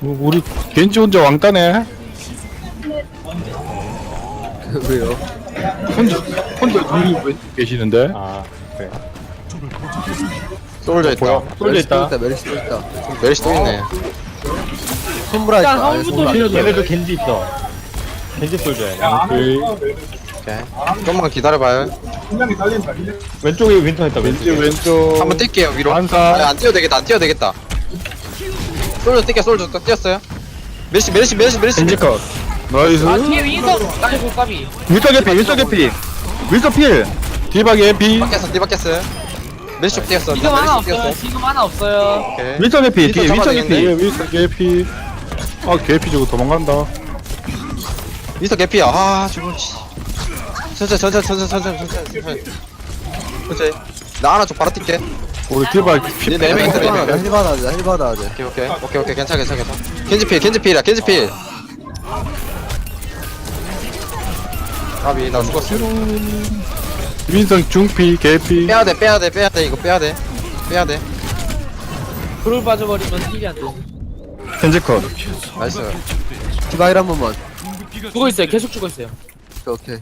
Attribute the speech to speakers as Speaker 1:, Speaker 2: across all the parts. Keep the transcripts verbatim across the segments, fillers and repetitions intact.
Speaker 1: 뭐, 우리 겐지 혼자 왕따네.
Speaker 2: 왜요?
Speaker 1: 혼자 혼자 둘이 왜 계시는데?
Speaker 3: 아 그래.
Speaker 4: 솔져 있다.
Speaker 3: 솔져 있다.
Speaker 2: 메리시 또 있다.
Speaker 4: 메리시 또 있네.
Speaker 2: 손브라
Speaker 5: 일단
Speaker 2: 있다. 아예
Speaker 5: 화물부터
Speaker 2: 손브라.
Speaker 3: 얘네도 겐지 있어. 겐지 솔져야.
Speaker 1: 오케이.
Speaker 4: 오케이. 좀만 기다려봐요.
Speaker 3: 왼쪽에 윈터 있다.
Speaker 1: 왼쪽
Speaker 3: 왼쪽에.
Speaker 1: 왼쪽.
Speaker 4: 한번 뛸게요 위로.
Speaker 1: 반사.
Speaker 4: 아니, 안 뛰어도 되겠다. 안 뛰어도 되겠다. 솔져 뛸게. 솔져 또 뛰었어요. 메리시 메리시 메리시 메리시.
Speaker 1: 겐지 컷. 나이스.
Speaker 5: 아 뒤에 윈서 아이고 까비.
Speaker 1: 윌터 개피 윌터 개피. 윌터 필. 디바 개피.
Speaker 4: 바뀌었어. 뒤 바뀌었어요. 메리시 쪽 뛰었어.
Speaker 5: 지금 하나
Speaker 4: 메리시 쪽
Speaker 5: 없어요.
Speaker 4: 뛰었어.
Speaker 5: 지금 하나 없어요.
Speaker 4: 오케이.
Speaker 1: 윌터 개피.
Speaker 4: 윌터
Speaker 1: 뒤에 윌터
Speaker 4: 잡아야
Speaker 1: 개피.
Speaker 4: 되겠네.
Speaker 1: 윌터 개피. 아 개피 저거 도망간다.
Speaker 4: 미스터 개피야. 아 지금. 천천히 천천히 천천히 천천히 천천히 천천히. 천천히. 나 하나 쪽 바로 뛸게.
Speaker 1: 우리 디바 피.
Speaker 4: 네, 네 명 있어, 네 명.
Speaker 2: 힐 받아야 돼. 힐 받아야 돼.
Speaker 4: 오케이 오케이 오케이 오케이 괜찮아 괜찮아 괜찮아. 겐지 필 겐지 필이야 겐지 필. 까비 나 죽었어.
Speaker 1: 민성 중피 개피.
Speaker 4: 빼야 돼 빼야 돼 빼야 돼 이거 빼야 돼 빼야 돼.
Speaker 5: 불을 빠져버리면 힐이 안 돼.
Speaker 1: 겐지 컷.
Speaker 4: 나이스.
Speaker 2: 디바일 한 번만.
Speaker 5: 죽어 있어요. 계속 죽어 있어요.
Speaker 2: 오케이.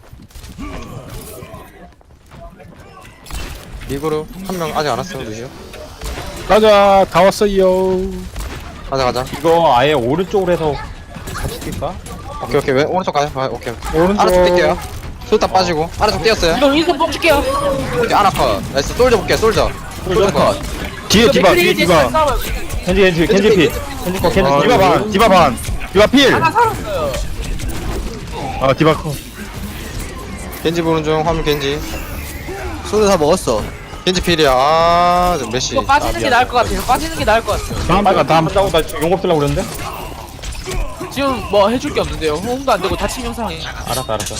Speaker 4: 리그로 한 명 아직 안 왔어 루시오.
Speaker 1: 가자 다 왔어요.
Speaker 4: 가자 가자.
Speaker 3: 이거 아예 오른쪽으로 해서 같이 뛸까?
Speaker 4: 오케이 오케이 왼 오른쪽 가자. 아, 오케이.
Speaker 1: 오른쪽.
Speaker 4: 아래쪽 뛸게요. 솔다 빠지고 아래쪽 뛰었어요.
Speaker 5: 이거 윈서 뽑을게요.
Speaker 4: 오케이 아나 컷. 나이스 솔져 볼게 솔져. 솔져 컷.
Speaker 1: 뒤에 디바 뒤에 디바.
Speaker 3: 겐지 겐지 겐지 피. 겐지 거 겐지
Speaker 1: 아,
Speaker 3: 거.
Speaker 1: 디바 반 디바 반. 디바 필.
Speaker 5: 하나 살았어요.
Speaker 1: 아 디바 컷.
Speaker 4: 겐지 보는 중 화물 겐지.
Speaker 2: 소리 다 먹었어.
Speaker 4: 겐지 필이야. 아, 저 메시.
Speaker 5: 이거 빠지는 게 나을 것 같아요. 빠지는 게 나을 것 같아요.
Speaker 1: 다음
Speaker 3: 빨간
Speaker 1: 다음
Speaker 3: 다음
Speaker 1: 다음.
Speaker 3: 따고 나 용업 쓰려고 그랬는데.
Speaker 5: 지금 뭐 해줄 게 없는데요. 호응도 안 되고 다친 영상이.
Speaker 3: 알았어 알았어.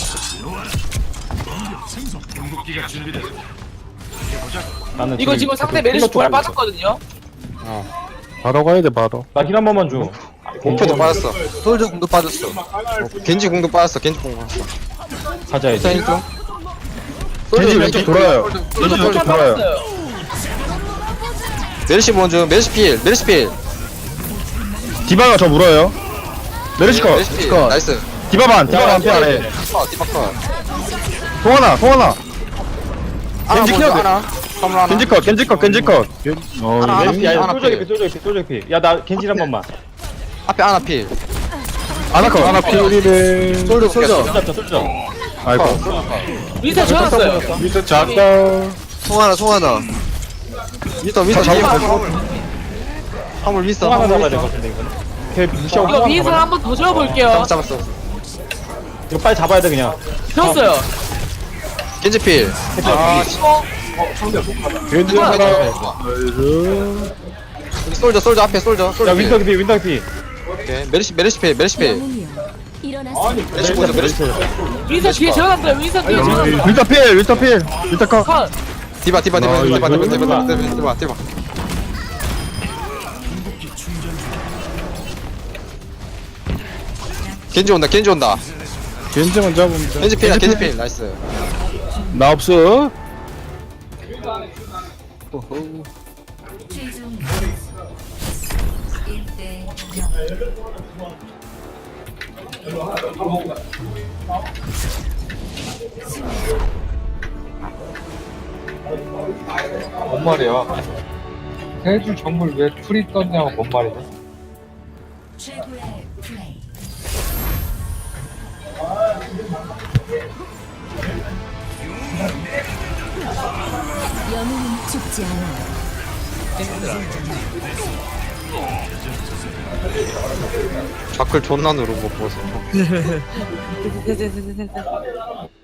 Speaker 3: 나는
Speaker 5: 이거 지금 상대 메리시 부활 빠졌거든요.
Speaker 4: 어.
Speaker 1: 바로 가야 돼 바로.
Speaker 3: 나힐 한 번만 줘.
Speaker 4: 목표도 빠졌어.
Speaker 2: 솔저 공도 빠졌어.
Speaker 4: 겐지 공도 빠졌어. 겐지 공 빠졌어.
Speaker 3: 가자야지.
Speaker 4: 사인 중.
Speaker 1: 겐지 왼쪽 돌아요. 겐지
Speaker 5: 윈서
Speaker 1: 왼쪽
Speaker 5: 부활
Speaker 1: 돌아요.
Speaker 5: 빠졌어요.
Speaker 4: 메르시 보는 중. 메르시 필. 메르시 필.
Speaker 1: 디바가 저 물어요. 메르시 컷.
Speaker 4: 메르시 필.
Speaker 2: 컷.
Speaker 4: 나이스.
Speaker 1: 디바 반 디바 반피 아래.
Speaker 4: 컷. 디바 컷.
Speaker 1: 송하나 송하나.
Speaker 4: 하나
Speaker 1: 겐지
Speaker 4: 보는 중.
Speaker 1: 키워야 돼.
Speaker 4: 하나. 선물 하나.
Speaker 1: 겐지 컷 겐지 컷 겐지 컷. 어
Speaker 4: 하나, 하나.
Speaker 1: 이거
Speaker 3: 야
Speaker 4: 하나
Speaker 3: 솔저
Speaker 4: 필.
Speaker 3: 개피 솔저 개피 솔저 개피. 야나 겐지 한 번만.
Speaker 4: 앞에 하나 필.
Speaker 1: 아나 컷 아나 필이래.
Speaker 2: 솔저 솔저.
Speaker 3: 솔저 솔저.
Speaker 1: 아이고.
Speaker 5: 윈서 지어놨어요.
Speaker 1: 밑에 작다.
Speaker 2: 송하나 송하나.
Speaker 4: 미스터 미스터
Speaker 1: 자,
Speaker 4: 뒤에
Speaker 1: 잡아.
Speaker 4: 화물. 화물 미스터.
Speaker 3: 또 하나
Speaker 4: 화물
Speaker 3: 잡아야 될
Speaker 4: 미스터.
Speaker 3: 것 같은데 이거는. 걔 무시하고
Speaker 5: 이거
Speaker 3: 또 하나
Speaker 5: 윈서
Speaker 3: 잡아야 돼.
Speaker 5: 한번 더 지어볼게요.
Speaker 4: 잡았어.
Speaker 3: 이거 빨리 잡아야 돼 그냥.
Speaker 5: 지었어요.
Speaker 4: 겐지 필. 아, 씨.
Speaker 1: 겐지
Speaker 4: 하나.
Speaker 1: 하나. 나이스.
Speaker 4: 솔져 솔져 앞에 솔져.
Speaker 3: 야
Speaker 4: 솔져
Speaker 3: 윈터
Speaker 4: 필.
Speaker 3: 개피 윈터 개피.
Speaker 4: 오케이. 메르시 메르시 필. 메르시 필. 메르시 보자. 메르시 필.
Speaker 5: 윈서 뒤에 지어놨어요. 윈서 뒤에 지어놨어요.
Speaker 1: 윌터 필 윌터 필 윌터 컷.
Speaker 5: 컷.
Speaker 4: 디바 디바 디바
Speaker 1: 아,
Speaker 4: 디바 디바
Speaker 1: 이거
Speaker 4: 디바 디바 디바 디바 디바. 겐지 온다. 겐지 온다.
Speaker 1: 겐지만 잡으면 돼.
Speaker 4: 겐지 필이야. 겐지 필. 나이스.
Speaker 1: 나 없어.
Speaker 2: 호호.
Speaker 6: 뭔 말이야? 해주 정글 왜 풀이 떴냐고 뭔 말이야?
Speaker 7: 최고의 플레이. 영웅은 죽지 않아요.
Speaker 4: 좌클 존나 누르고 보소.
Speaker 5: 됐됐됐됐됐.